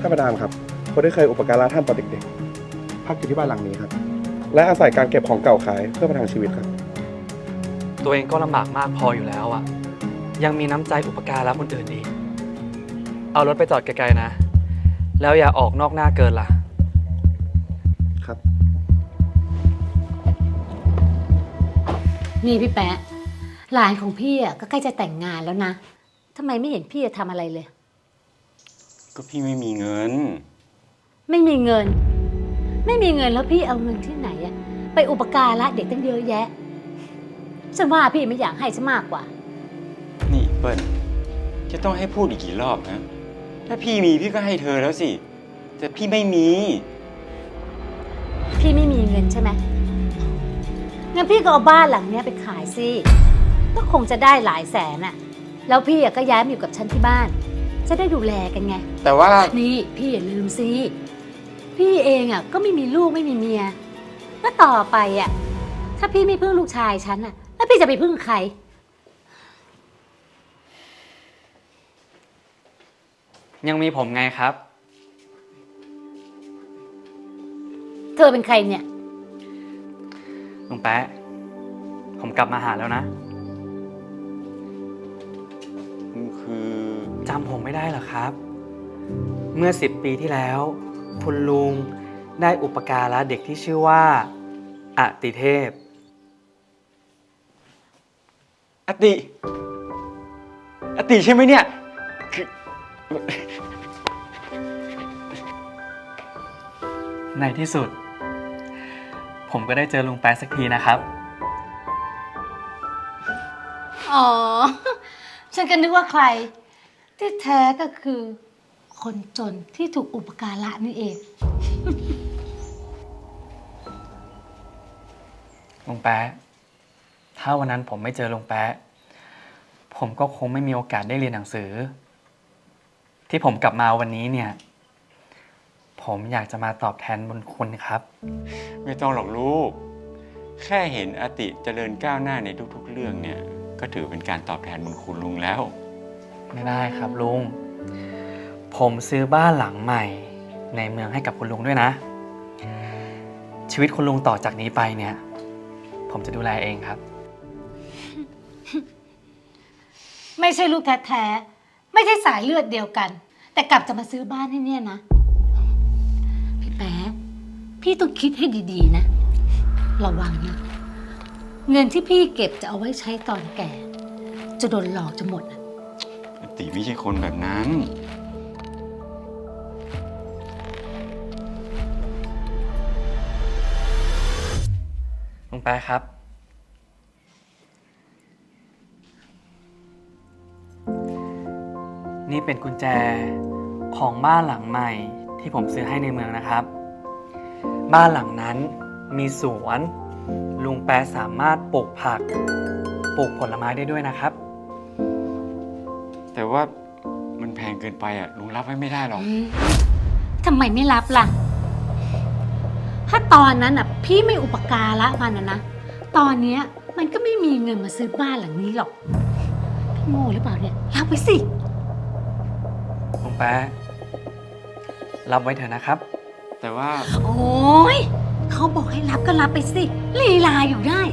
ท่านประธานครับคนที่เคยอุปการะท่านตอนเด็กๆพักอยู่ที่บ้านหลังนี้ครับและอาศัยการเก็บของเก่าขายเพื่อประทังชีวิตครับตัวเองก็ลำบากมากพออยู่แล้วอะยังมีน้ำใจอุปการะคนอื่นอีกเอารถไปจอดไกลๆนะแล้วอย่าออกนอกหน้าเกินล่ะครับนี่พี่แป๊ะหลานของพี่อ่ะก็ใกล้จะแต่งงานแล้วนะทำไมไม่เห็นพี่จะทำอะไรเลยก็พี่ไม่มีเงินไม่มีเงิน ไม่มีเงินแล้วพี่เอาเงินที่ไหนอะไปอุปการะเด็กตั้งเยอะแยะฉันว่าพี่ไม่อยากให้ฉันมากกว่านี่เปิ้ลจะต้องให้พูดอีกกี่รอบนะถ้าพี่มีพี่ก็ให้เธอแล้วสิ แต่พี่ไม่มีพี่ไม่มีเงินใช่ไหมงั้นพี่ก็เอาบ้านหลังเนี้ยไปขายสิก็คงจะได้หลายแสนอะแล้วพี่อะก็ย้ายมาอยู่กับฉันที่บ้านจะได้ดูแลกันไงแต่ว่านี่พี่อย่าลืมสิพี่เองอะก็ไม่มีลูกไม่มีเมียแล้วต่อไปอะถ้าพี่ไม่พึ่งลูกชายฉันอะแล้วพี่จะไปพึ่งใครยังมีผมไงครับเธอเป็นใครเนี่ยลุงแป๊ะผมกลับมาหาแล้วนะคือจำผมไม่ได้เหรอครับ เมื่อ10 ปีที่แล้ว คุณลุงได้อุปการะเด็กที่ชื่อว่าอติเทพอติใช่ไหมเนี่ยคือในที่สุด ผมก็ได้เจอลุงแป๊ะสักทีนะครับอ๋อ ฉันก็นึกว่าใคร ที่แท้ก็คือ คนจนที่ถูกอุปการะนี่เองลุงแป๊ะถ้าวันนั้นผมไม่เจอลุงแป๊ะผมก็คงไม่มีโอกาสได้เรียนหนังสือ ที่ผมกลับมาวันนี้เนี่ย ผมอยากจะมาตอบแทนบุญคุณครับไม่ต้องหรอกลูก แค่เห็นอติเจริญก้าวหน้าในทุกๆเรื่องเนี่ย ก็ถือเป็นการตอบแทนบุญคุณลุงแล้วไม่ได้ครับลุง ผมซื้อบ้านหลังใหม่ในเมืองให้กับคุณลุงด้วยนะ ชีวิตคุณลุงต่อจากนี้ไปเนี่ย ผมจะดูแลเองครับไม่ใช่ลูกแท้ๆ ไม่ใช่สายเลือดเดียวกัน แต่กลับจะมาซื้อบ้านให้เนี่ยนะ พี่แป๊ะพี่ต้องคิดให้ดีๆนะ ระวังนะ เงินที่พี่เก็บจะเอาไว้ใช้ตอนแก่ จะโดนหลอกจะหมดอะอติไม่ใช่คนแบบนั้นลุงแป๊ะครับ นี่เป็นกุญแจของบ้านหลังใหม่ที่ผมซื้อให้ในเมืองนะครับ บ้านหลังนั้นมีสวนลุงแป๊ะสามารถปลูกผักปลูกผลไม้ได้ด้วยนะครับแต่ว่ามันแพงเกินไปอ่ะลุงรับไว้ไม่ได้หรอกทำไมไม่รับล่ะ ถ้าตอนนั้นอ่ะ พี่ไม่อุปการะมันนะ ตอนเนี้ยมันก็ไม่มีเงินมาซื้อบ้านหลังนี้หรอก พี่โง่หรือเปล่าเนี่ย รับไปสิลุงแป๊ะรับไว้เถอะนะครับแต่ว่าโอ้ยเขาบอกให้รับก็รับไปสิ ลีลาอยู่ได้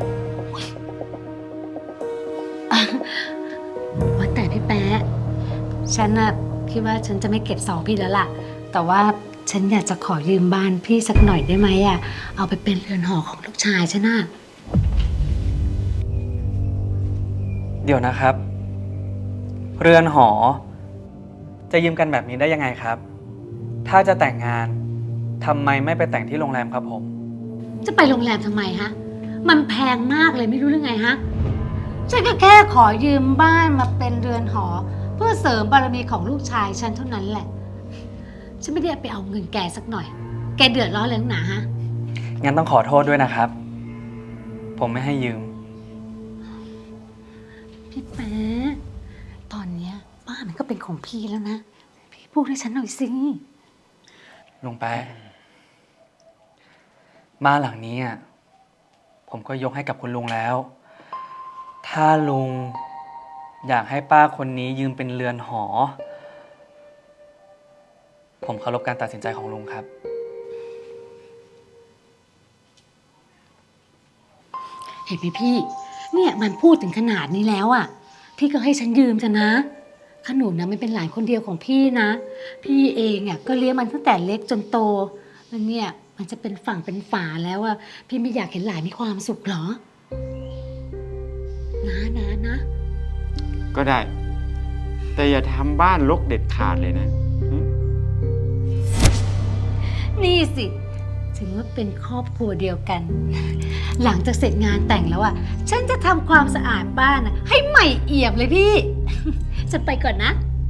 อ่ะว่าแต่พี่แป๊ะฉันน่ะคิดว่าฉันจะไม่เก็บซองพี่แล้วล่ะ แต่ว่าฉันอยากจะขอยืมบ้านพี่สักหน่อยได้ไหมอ่ะ เอาไปเป็นเรือนหอของลูกชายฉันน่ะเดี๋ยวนะครับ เรือนหอ จะยืมกันแบบนี้ได้ยังไงครับ ถ้าจะแต่งงานทำไมไม่ไปแต่งที่โรงแรมครับผมจะไปโรงแรมทำไมฮะ มันแพงมากเลยไม่รู้เรื่องไงฮะ ฉันก็แค่ขอยืมบ้านมาเป็นเรือนหอ เพื่อเสริมบารมีของลูกชายฉันเท่านั้นแหละ ฉันไม่ได้ไปเอาเงินแกสักหน่อย แกเดือดร้อนเลยนักหนาฮะงั้นต้องขอโทษด้วยนะครับ ผมไม่ให้ยืมพี่แป๊ะตอนเนี้ยบ้านมันก็เป็นของพี่แล้วนะ พี่พูดให้ฉันหน่อยสิลุงแป๊ะบ้านหลังนี้อ่ะผมก็ยกให้กับคุณลุงแล้ว ถ้าลุงอยากให้ป้าคนนี้ยืมเป็นเรือนหอ ผผมเคารพการตัดสินใจของลุงครับเห็นไหมพี่ เนี่ยมันพูดถึงขนาดนี้แล้วอ่ะ พี่ก็ให้ฉันยืมจะนะขนุนนะมันเป็นหลานคนเดียวของพี่นะ พี่เองอ่ะก็เลี้ยงมันตั้งแต่เล็กจนโตแล้วเนี่ยมันจะเป็นฝั่งเป็นฝาแล้วอ่ะพี่ไม่อยากเห็นหลานมีความสุขหรอนะก็ได้ แต่อย่าทำบ้านรกเด็ดขาดเลยนะนี่สิถือว่าเป็นครอบครัวเดียวกัน หลังจากเสร็จงานแต่งแล้วอ่ะฉันจะทำความสะอาดบ้านอะให้ใหม่เอี่ยมเลยพี่ จะไปก่อนนะ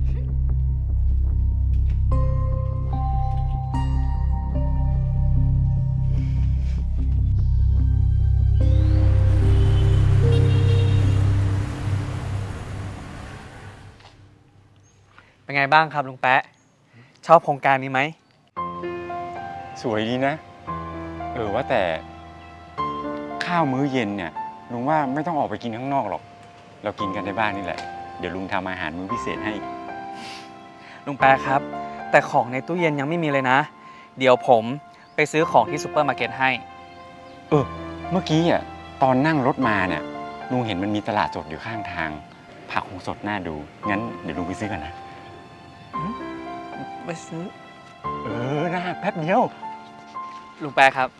เป็นไงบ้างครับลุงแป๊ะ ชอบโครงการนี้ไหมสวยดีนะ ว่าแต่ข้าวมื้อเย็นเนี่ยลุงว่าไม่ต้องออกไปกินข้างนอกหรอก เรากินกันในบ้านนี่แหละ เดี๋ยวลุงทำอาหารมื้อพิเศษให้ลุงแป๊ะครับ แต่ของในตู้เย็นยังไม่มีเลยนะ เดี๋ยวผมไปซื้อของที่ซูเปอร์มาร์เก็ตให้เมื่อกี้อ่ะตอนนั่งรถมาเนี่ยลุงเห็นมันมีตลาดสดอยู่ข้างทาง ผักคงสดน่าดู งั้นเดี๋ยวลุงไปซื้อกันนะไปซื้อนะแป๊บเดียวลุงแป๊ะครับ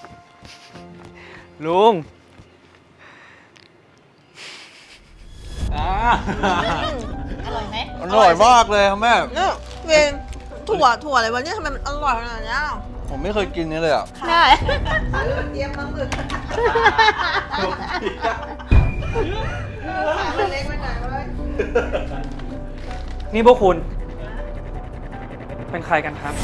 ลุงอร่อยไหมอร่อยมากเลยครับแม่เนี่ยเวนถั่วอะไรวะเนี่ยทำไมมันอร่อยขนาดเนี้ยผมไม่เคยกินนี่เลยอ่ะได้เตรียมมาหมึกเล็กไปไหนวะนี่พวกคุณ เป็นใครกันครับ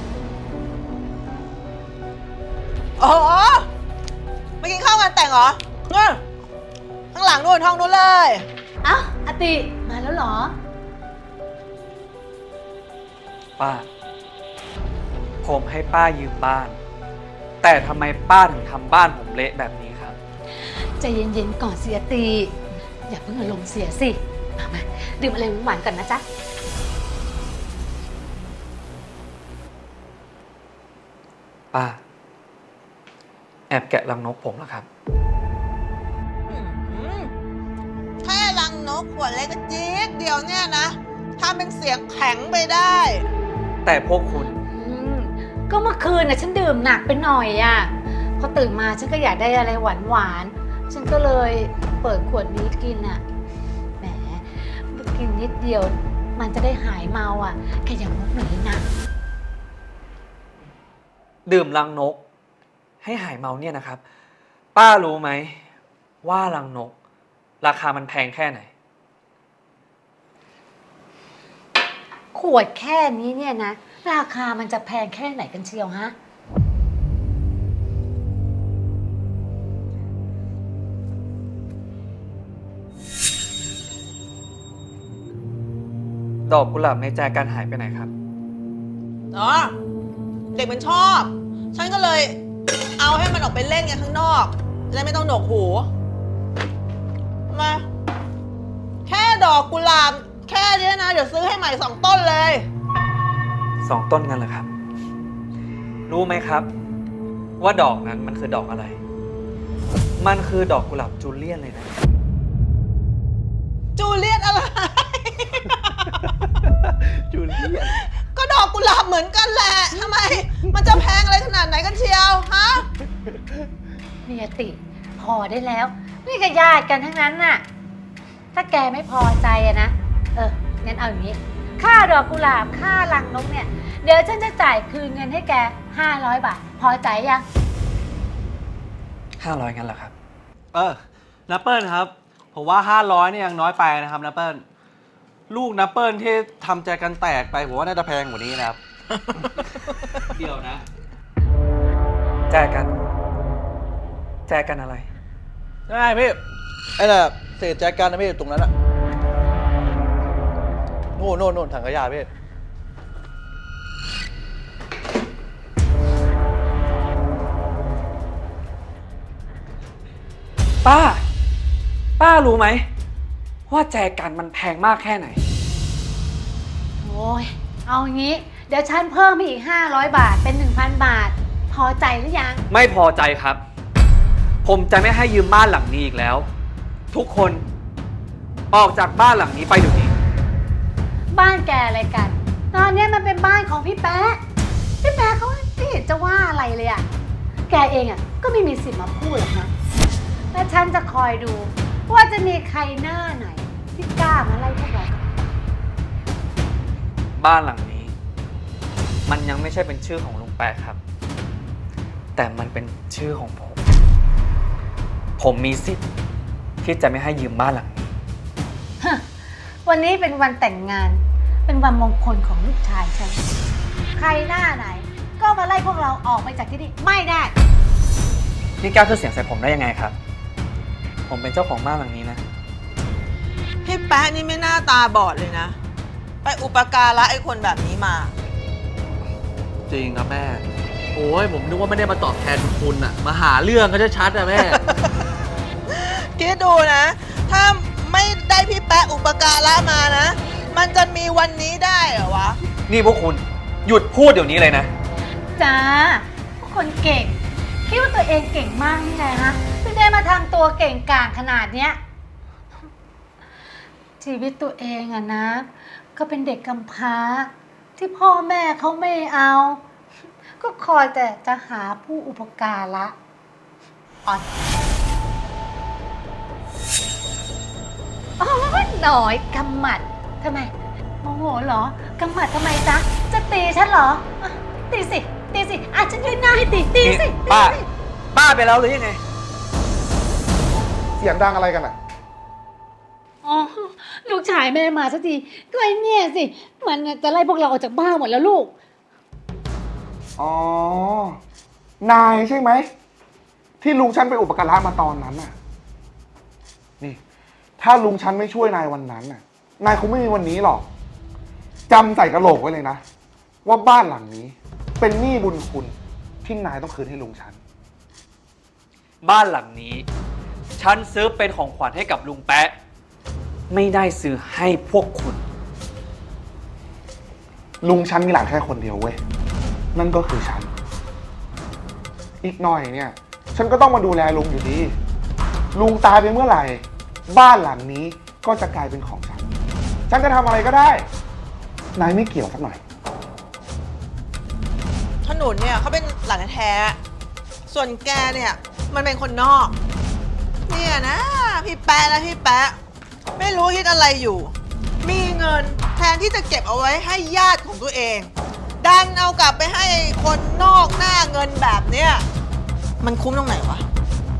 โอ้โหมากินข้าวงานแต่งเหรอนู่นข้างหลังนู่นห้องนู้นเลยเอ้าอติมาแล้วเหรอป้า ผมให้ป้ายืมบ้าน แต่ทำไมป้าถึงทำบ้านผมเละแบบนี้ครับใจเย็นๆก่อนสิอติอย่าเพิ่งอารมณ์เสียสิมาดื่มอะไรหวานๆก่อนนะจ๊ะป้า แอบแกะรังนกผมแล้วครับแค่รังนกขวดเล็กจี๊ดเดียวเนี่ยนะทำเป็นเสียงแข็งไปได้แต่พวกคุณก็เมื่อคืนน่ะฉันดื่มหนักไปหน่อยอ่ะพอตื่นมาฉันก็อยากได้อะไรหวานๆฉันก็เลยเปิดขวดนี้กินอ่ะแหมกินนิดเดียวมันจะได้หายเมาอ่ะแค่อย่างมุกหน่อยนะดื่มรังนก ให้หายเมาเนี่ยนะครับ ป้ารู้ไหมว่ารังนก ราคามันแพงแค่ไหนขวดแค่นี้เนี่ยนะราคามันจะแพงแค่ไหนกันเชียวฮะดอกกุหลาบในแจกันหายไปไหนครับอ๋อ เด็กมันชอบ ฉันก็เลยเอาให้มันออกไปเล่นกันข้างนอกจะได้ไม่ต้องหนวกหู มา แค่ดอกกุหลาบแค่นี้นะ เดี๋ยวซื้อให้ใหม่2 ต้นเลย 2 ต้นกันเหรอครับ รู้ไหมครับ ว่าดอกนั้นมันคือดอกอะไร มันคือดอกกุหลาบจูเลียนเลยนะจูเลียตอะไรจูเลียนก็ดอกกุหลาบเหมือนกันแหละทำไม มันจะแพงอะไรขนาดไหนกันเชียวฮะเนี่ยติพอได้แล้ว นี่ก็ญาติกันทั้งนั้นน่ะ ถ้าแกไม่พอใจอะนะงั้นเอาอย่างนี้ ค่าดอกกุหลาบค่ารังนกเนี่ย เดี๋ยวฉันจะจ่ายคืนเงินให้แก500 บาท พอใจยัง 500งั้นเหรอครับนัปเปิลครับ ผมว่า500เนี่ยยังน้อยไปนะครับนัปเปิลลูกนัปเปิลที่ทำใจกันแตกไปผมว่าน่าจะแพงกว่านี้นะครับเดี๋ยวนะ แจกัน แจกันอะไรได้พี่ไอ้น่ะเศษแจกันนะพี่ตรงนั้นอะโน่นถังขยะพี่ป้ารู้ไหมว่าแจกันมันแพงมากแค่ไหนโอ้ยเอาอย่างนี้เดี๋ยวฉันเพิ่มให้อีก500 บาทเป็น 1,000 บาท พอใจหรือยังไม่พอใจครับ ผมจะไม่ให้ยืมบ้านหลังนี้อีกแล้ว ทุกคนออกจากบ้านหลังนี้ไปเดี๋ยวนี้บ้านแกอะไรกัน ตอนนี้มันเป็นบ้านของพี่แป๊ะ พี่แป๊ะเขาไม่เห็นจะว่าอะไรเลยอะแกเองอะก็ไม่มีสิทธิ์มาพูดหรอกนะ และฉันจะคอยดูว่าจะมีใครหน้าไหน ที่กล้ามาไล่พวกเราบ้านหลังนี้ มันยังไม่ใช่เป็นชื่อของลุงแปะครับ แต่มันเป็นชื่อของผม ผมมีสิทธิ์ที่จะไม่ให้ยืมบ้านหลังนี้วันนี้เป็นวันแต่งงาน เป็นวันมงคลของลูกชายฉัน ใครหน้าไหน ก็มาไล่พวกเราออกไปจากที่นี่ไม่ได้นี่กล้าขึ้นเสียงใส่ผมได้ยังไงครับ ผมเป็นเจ้าของบ้านหลังนี้นะพี่แป๊ะนี่ไม่น่าตาบอดเลยนะ ไปอุปการะไอ้คนแบบนี้มาจริงครับแม่ โอ้ยผมนึกว่าไม่ได้มาตอบแทนคุณอะมาหาเรื่องก็จะชัดอะแม่คิดดูนะ ถ้าไม่ได้พี่แป๊ะอุปการะมานะ มันจะมีวันนี้ได้เหรอวะนี่พวกคุณหยุดพูดเดี๋ยวนี้เลยนะจ้าพวกคนเก่ง คิดว่าตัวเองเก่งมากนี่ไงฮะถึงได้มาทำตัวเก่งกาจขนาดเนี้ย ชีวิตตัวเองอะนะ ก็เป็นเด็กกำพร้า ที่พ่อแม่เขาไม่เอา ก็คอยแต่จะหาผู้อุปการะอ่อนอ๋อหน่อยกำหมัดทำไมโมโหเหรอกำหมัดทำไมจ๊ะ จะตีฉันเหรออ่ะตีสิ ตีสิอ่ะฉันยืนหน้าให้ตีสินี่ตีป้าสิป้าไปแล้วหรือยังไงเสียงดังอะไรกันอ่ะอ๋อ ลูกชายแม่มาสักทีก็ไอ้เนี่ยสิ มันจะไล่พวกเราออกจากบ้านหมดแล้วลูกอ๋อ นายใช่ไหม ที่ลุงฉันไปอุปการะมาตอนนั้นน่ะ นี่ ถ้าลุงฉันไม่ช่วยนายวันนั้นน่ะ นายคงไม่มีวันนี้หรอกจำใส่กระโหลกไว้เลยนะ ว่าบ้านหลังนี้ เป็นหนี้บุญคุณที่นายต้องคืนให้ลุงฉันบ้านหลังนี้ ฉันซื้อเป็นของขวัญให้กับลุงแปะ ไม่ได้ซื้อให้พวกคุณลุงฉันมีหลานแค่คนเดียวเว้ย นั่นก็คือฉัน อีกหน่อยเนี่ย ฉันก็ต้องมาดูแลลุงอยู่ดี ลุงตายไปเมื่อไหร่ บ้านหลังนี้ก็จะกลายเป็นของฉัน ฉันจะทำอะไรก็ได้ นายไม่เกี่ยวสักหน่อยขนุนเนี่ยเขาเป็นหลานแท้ๆส่วนแกเนี่ยมันเป็นคนนอก เนี่ยนะ พี่แป๊ะนะพี่แป๊ะ ไม่รู้คิดอะไรอยู่ มีเงินแทนที่จะเก็บเอาไว้ให้ญาติของตัวเอง ดันเอากลับไปให้คนนอกหน้าเงินแบบเนี้ยมันคุ้มตรงไหนวะ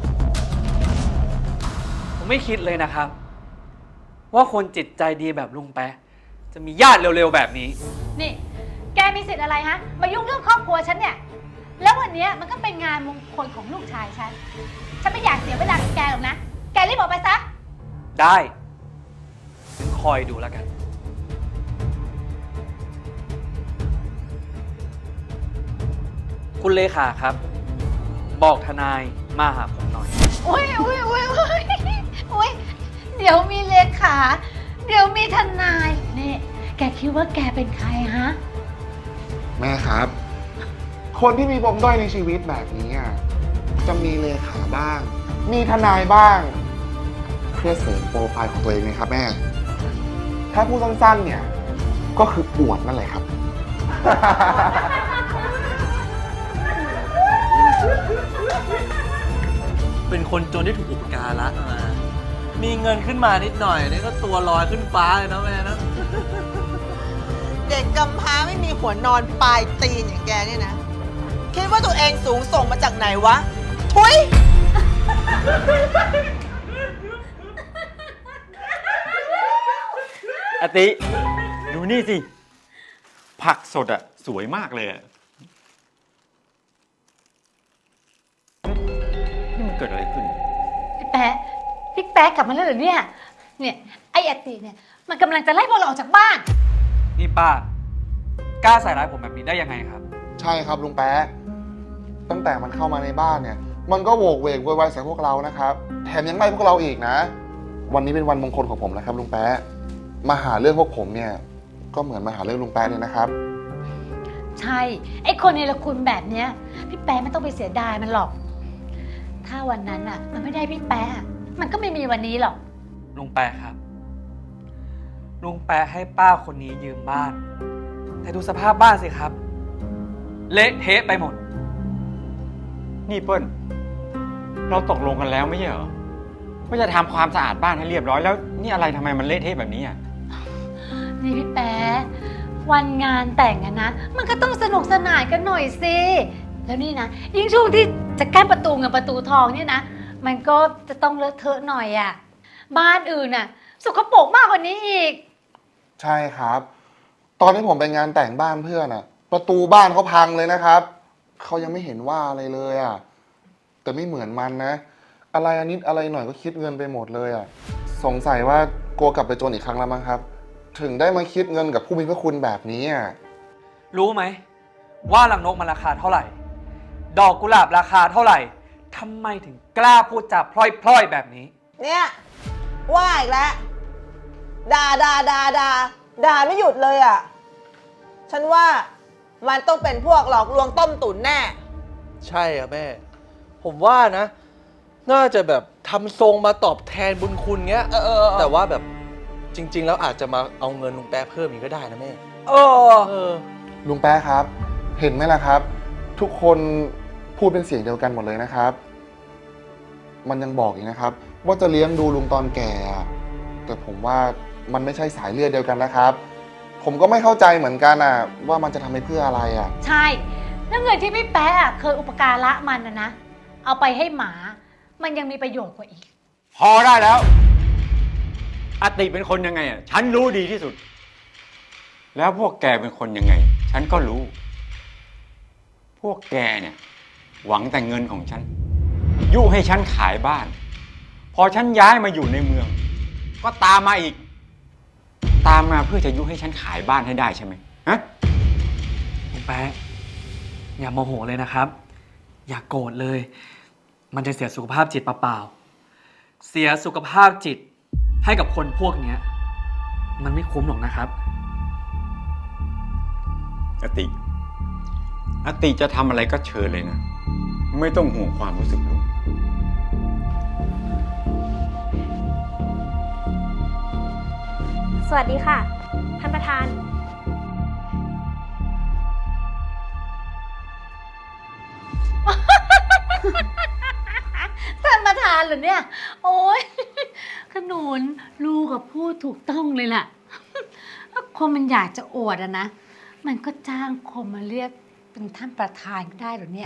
ผมไม่คิดเลยนะครับ ว่าคนจิตใจดีแบบลุงแปะ จะมีญาติเร็วๆแบบนี้นี่ แกมีสิทธิ์อะไรฮะ มายุ่งเรื่องครอบครัวฉันเนี่ย แล้ววันเนี้ยมันก็เป็นงานมงคลของลูกชายฉัน ฉันไม่อยากเสียเวลากับแกหรอกนะ แกรีบออกไปซะได้คอยดูแล้วกัน คุณเลขาครับ บอกทนายมาหาผมหน่อยโอ้ยโอ้ยโอ้ยโอ้ยโอ้ยเดี๋ยวมีเลขา เดี๋ยวมีทนาย นี่ แกคิดว่าแกเป็นใครฮะแม่ครับ คนที่มีปมด้อยในชีวิตแบบนี้อ่ะจะมีเลขาบ้าง มีทนายบ้าง เพื่อเสริมโปรไฟล์ของตัวเองไงครับแม่ ถ้าพูดสั้นๆเนี่ย ก็คืออวดนั่นแหละครับเป็นคนจนที่ถูกอุปการะมา มีเงินขึ้นมานิดหน่อยนี่ก็ตัวลอยขึ้นฟ้าเลยนะแม่นะเด็กกำพร้าไม่มีหัวนอนปลายตีนอย่างแกเนี่ยนะ คิดว่าตัวเองสูงส่งมาจากไหนวะ ทุยอติ ดูนี่สิ ผักสดอะสวยมากเลยอะนี่มันเกิดอะไรขึ้นพี่แป๊ะพี่แป๊ะกลับมาแล้วเหรอเนี่ย เนี่ย ไอ้อติเนี่ย มันกำลังจะไล่พวกเราออกจากบ้านนี่ป้า กล้าใส่ร้ายผมแบบนี้ได้ยังไงครับใช่ครับลุงแป๊ะ ตั้งแต่มันเข้ามาในบ้านเนี่ย มันก็โวกเวกโวยวายใส่พวกเรานะครับ แถมยังไล่พวกเราอีกนะ วันนี้เป็นวันมงคลของผมนะครับลุงแป๊ะ มาหาเรื่องพวกผมเนี่ย ก็เหมือนมาหาเรื่องลุงแป๊ะเลยนะครับใช่ ไอ้คนเนรคุณแบบเนี้ย พี่แป๊ะไม่ต้องไปเสียดายมันหรอก ถ้าวันนั้นอ่ะ มันไม่ได้พี่แป๊ะมันก็ไม่มีวันนี้หรอกลุงแปะครับ ลุงแปะให้ป้าคนนี้ยืมบ้าน แต่ดูสภาพบ้านสิครับ เละเทะไปหมดนี่เปิ้ลเราตกลงกันแล้วไม่ใช่เหรอว่าจะทำความสะอาดบ้านให้เรียบร้อยแล้วนี่อะไรทำไมมันเละเทะแบบนี้อ่ะนี่พี่แป๊ะวันงานแต่งอะนะ มันก็ต้องสนุกสนานกันหน่อยสิ แล้วนี่นะ ยิ่งช่วงที่จะกั้นประตูเงินประตูทองเนี่ยนะ มันก็จะต้องเลอะเทอะหน่อยอะบ้านอื่นน่ะสกปรกมากกว่านี้อีกใช่ครับ ตอนที่ผมไปงานแต่งบ้านเพื่อนอะประตูบ้านเขาพังเลยนะครับเขายังไม่เห็นว่าอะไรเลยอะแต่ไม่เหมือนมันนะ อะไรนิดอะไรหน่อยก็คิดเงินไปหมดเลยอะสงสัยว่ากลัวกลับไปจนอีกครั้งแล้วมั้งครับ ถึงได้มาคิดเงินกับผู้มีพระคุณแบบนี้อะรู้ไหมว่ารังนกมันราคาเท่าไหร่ ดอกกุหลาบราคาเท่าไหร่ทำไมถึงกล้าพูดจาพล่อยๆแบบนี้เนี่ยว่าอีกแล้วด่าไม่หยุดเลยอ่ะ ฉันว่ามันต้องเป็นพวกหลอกลวงต้มตุ๋นแน่ใช่อะแม่ ผมว่านะ น่าจะแบบทำทรงมาตอบแทนบุญคุณเงี้ย แต่ว่าแบบจริง ๆ แล้วอาจจะมาเอาเงินลุงแป๊ะเพิ่มอีกก็ได้นะแม่เออลุงแป๊ะครับ เห็นไหมล่ะครับ ทุกคนพูดเป็นเสียงเดียวกันหมดเลยนะครับ มันยังบอกอีกนะครับ ว่าจะเลี้ยงดูลุงตอนแก่อะแต่ผมว่ามันไม่ใช่สายเลือดเดียวกันนะครับ ผมก็ไม่เข้าใจเหมือนกันอ่ะว่ามันจะทำไปเพื่ออะไรอ่ะใช่ แล้วเงินที่พี่แป๊ะอะเคยอุปการะมันนะ เอาไปให้หมา มันยังมีประโยชน์กว่าอีกพอได้แล้วอติเป็นคนยังไงอ่ะฉันรู้ดีที่สุด แล้วพวกแกเป็นคนยังไง ฉันก็รู้ พวกแกเนี่ย หวังแต่เงินของฉันยุให้ฉันขายบ้าน พอฉันย้ายมาอยู่ในเมือง ก็ตามมาอีก ตามมาเพื่อจะยุให้ฉันขายบ้านให้ได้ใช่ไหมฮะลุงแป๊ะอย่าโมโหเลยนะครับ อย่าโกรธเลย มันจะเสียสุขภาพจิตเปล่าๆเสียสุขภาพจิตให้กับคนพวกเนี้ยมันไม่คุ้มหรอกนะครับอติจะทำอะไรก็เชิญเลยนะ ไม่ต้องห่วงความรู้สึกลุงสวัสดีค่ะ ท่านประธานท่านประธานเหรอเนี่ย โอ้ยขนุนลูกกับพูดถูกต้องเลยล่ะ ถ้าคนมันอยากจะอวดอะนะ มันก็จ้างคนมาเรียกเป็นท่านประธานก็ได้เหรอเนี่ย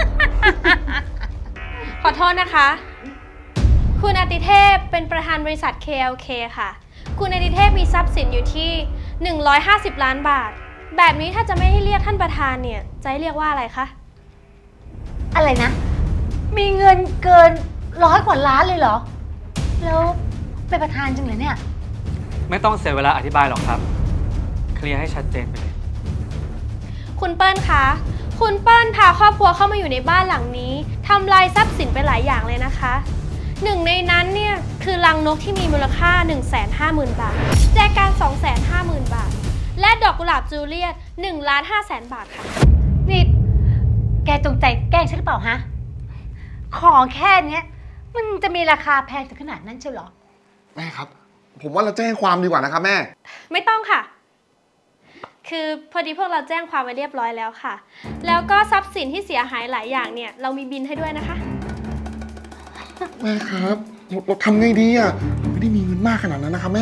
ขอโทษนะคะ คุณอาติเทพเป็นประธานบริษัท KLK ค่ะ คุณอาติเทพมีทรัพย์สินอยู่ที่ 150 ล้านบาท แบบนี้ถ้าจะไม่ให้เรียกท่านประธานเนี่ย จะให้เรียกว่าอะไรคะอะไรนะ มีเงินเกิน100 กว่าล้านเลยเหรอ แล้วเป็นประธานจริงเหรอเนี่ยไม่ต้องเสียเวลาอธิบายหรอกครับ เคลียร์ให้ชัดเจนไปเลยคุณเปิ้ลคะ คุณเปิ้ลพาครอบครัวเข้ามาอยู่ในบ้านหลังนี้ทำลายทรัพย์สินไปหลายอย่างเลยนะคะ หนึ่งในนั้นเนี่ยคือรังนกที่มีมูลค่า 150,000 บาท แจกัน 250,000 บาท และดอกกุหลาบจูเลียต 1,500,000 บาทค่ะนี่แกจงใจแกล้งฉันหรือเปล่าฮะ ของแค่เนี้ยมันจะมีราคาแพงถึงขนาดนั้นเชียวเหรอแม่ครับ ผมว่าเราแจ้งความดีกว่านะครับแม่ไม่ต้องค่ะ คือพอดีพวกเราแจ้งความไว้เรียบร้อยแล้วค่ะ แล้วก็ทรัพย์สินที่เสียหายหลายอย่างเนี่ยเรามีบินให้ด้วยนะคะแม่ครับเราทำไงดีอ่ะไม่ได้มีเงินมากขนาดนั้นนะครับแม่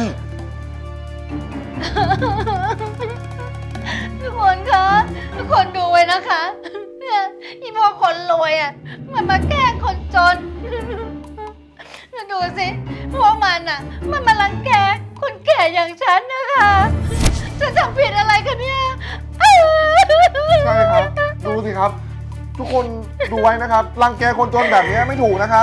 ทุกคนคะทุกคนดูไว้นะคะเนี่ยอีพวกคนรวยอ่ะมันมาแกล้งคนจนดูสิพวกมันอ่ะมันมารังแกคนแก่อย่างฉันนะคะฉันทำผิดอะไรกันเนี่ยใช่ครับ ดูสิครับ ทุกคนดูไว้นะครับ รังแกคนจนแบบนี้ไม่ถูกนะครับ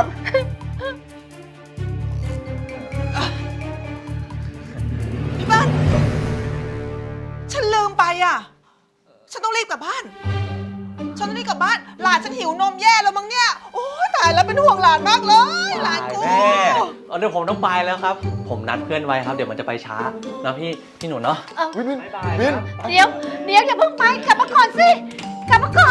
พี่เปิ้ลฉันลืมไปอ่ะ ฉันต้องรีบกลับบ้านฉันต้องรีบกลับบ้าน หลานฉันหิวนมแย่แล้วมั้งเนี่ย โอ้ยตายแล้วเป็นห่วงหลานมากเลย หลานกูแม่เดี๋ยวผมต้องไปแล้วครับ ผมนัดเพื่อนไว้ครับ เดี๋ยวมันจะไปช้านะพี่หนูเนาะวินวินบ๊ายบายวินครับเดี๋ยวอย่าเพิ่งไปกลับมาก่อนสิ กลับมาก่อน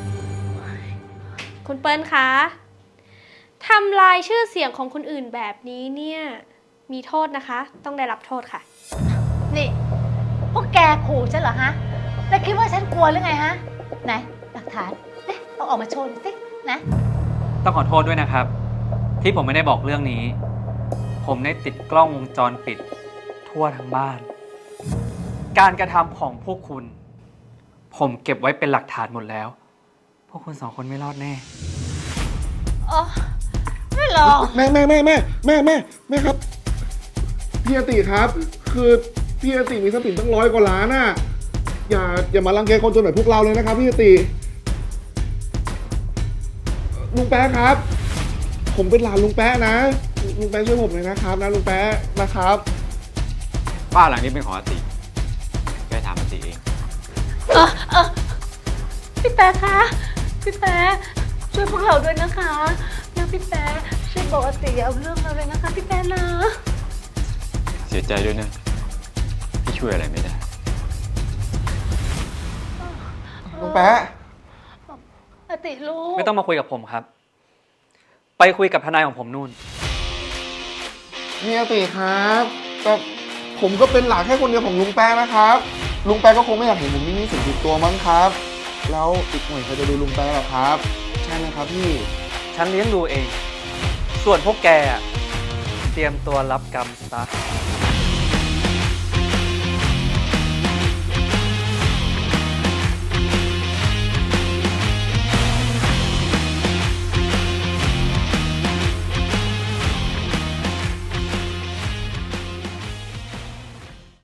คุณเปิ้ลคะทำลายชื่อเสียงของคนอื่นแบบนี้เนี่ยมีโทษนะคะ ต้องได้รับโทษค่ะนี่พวกแกขู่ฉันเหรอฮะ แล้วคิดว่าฉันกลัวหรือไงฮะ ไหนหลักฐานเนี่ยเอาออกมาโชว์หน่อยสินะต้องขอโทษด้วยนะครับ ที่ผมไม่ได้บอกเรื่องนี้ ผมได้ติดกล้องวงจรปิดทั่วทั้งบ้าน การกระทำของพวกคุณ ผมเก็บไว้เป็นหลักฐานหมดแล้ว พวกคุณสองคนไม่รอดแน่อ๋อไม่หรอกแม่ครับ พี่อติครับ คือพี่อติมีทรัพย์สินตั้ง100 กว่าล้านน่ะ อย่ามารังแกคนจนแบบพวกเราเลยนะครับพี่อติลุงแป๊ะครับ ผมเป็นหลานลุงแป๊ะนะ ลุงแป๊ะช่วยผมหน่อยนะครับนะลุงแป๊ะนะครับบ้านหลังนี้เป็นของอาติแกถามอาติเองพี่แป๊ะคะพี่แป๊ะช่วยพวกเราด้วยนะคะนะพี่แป๊ะช่วยบอกอาติเอาเรื่องเราเลยนะคะพี่แป๊ะนะเสียใจด้วยนะ พี่ช่วยอะไรไม่ได้ลุงแป๊ะอาติรู้ไม่ต้องมาคุยกับผมครับ ไปคุยกับทนายของผมนู่นพี่อติครับแต่ผมก็เป็นหลานแค่คนเดียวของลุงแป๊ะนะครับ ลุงแป๊ะก็คงไม่อยากเห็นผมมีหนี้สินติดตัวมั้งครับ แล้วอีกหน่อยใครจะดูลุงแป๊ะหรอครับ ใช่ไหมครับพี่ฉันเลี้ยงดูเอง ส่วนพวกแกอะเตรียมตัวรับกรรมซะ